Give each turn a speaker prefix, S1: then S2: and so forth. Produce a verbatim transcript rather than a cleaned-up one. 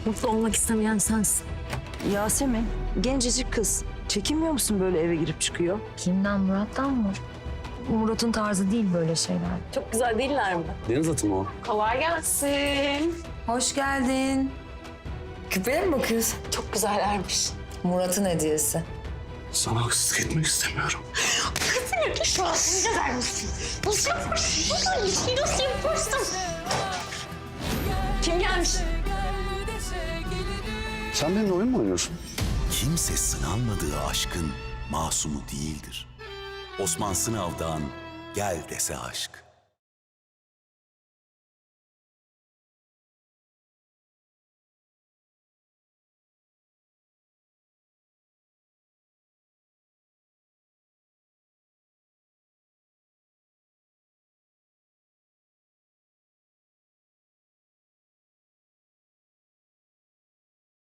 S1: Mutlu olmak istemeyen sensin.
S2: Yasemin, gencecik kız. Çekinmiyor musun böyle eve girip çıkıyor?
S3: Kimden, Murat'tan mı? Murat'ın tarzı değil böyle şeyler.
S1: Çok güzel değiller mi?
S4: Deniz atı mı o?
S1: Kolay gelsin.
S3: Hoş geldin. Küpeye mi bakıyorsun?
S1: Çok güzellermiş.
S3: Murat'ın hediyesi.
S4: Sana haksızlık etmek istemiyorum.
S1: Şu an siz güzelmişsin. Nasıl yaparsın? Nasıl yaparsın? Kim gelmiş?
S4: Sen benimle oyun mu oynuyorsun?
S5: Kimse sınanmadığı aşkın masumu değildir. Osman Sınav'dan Gel Dese Aşk.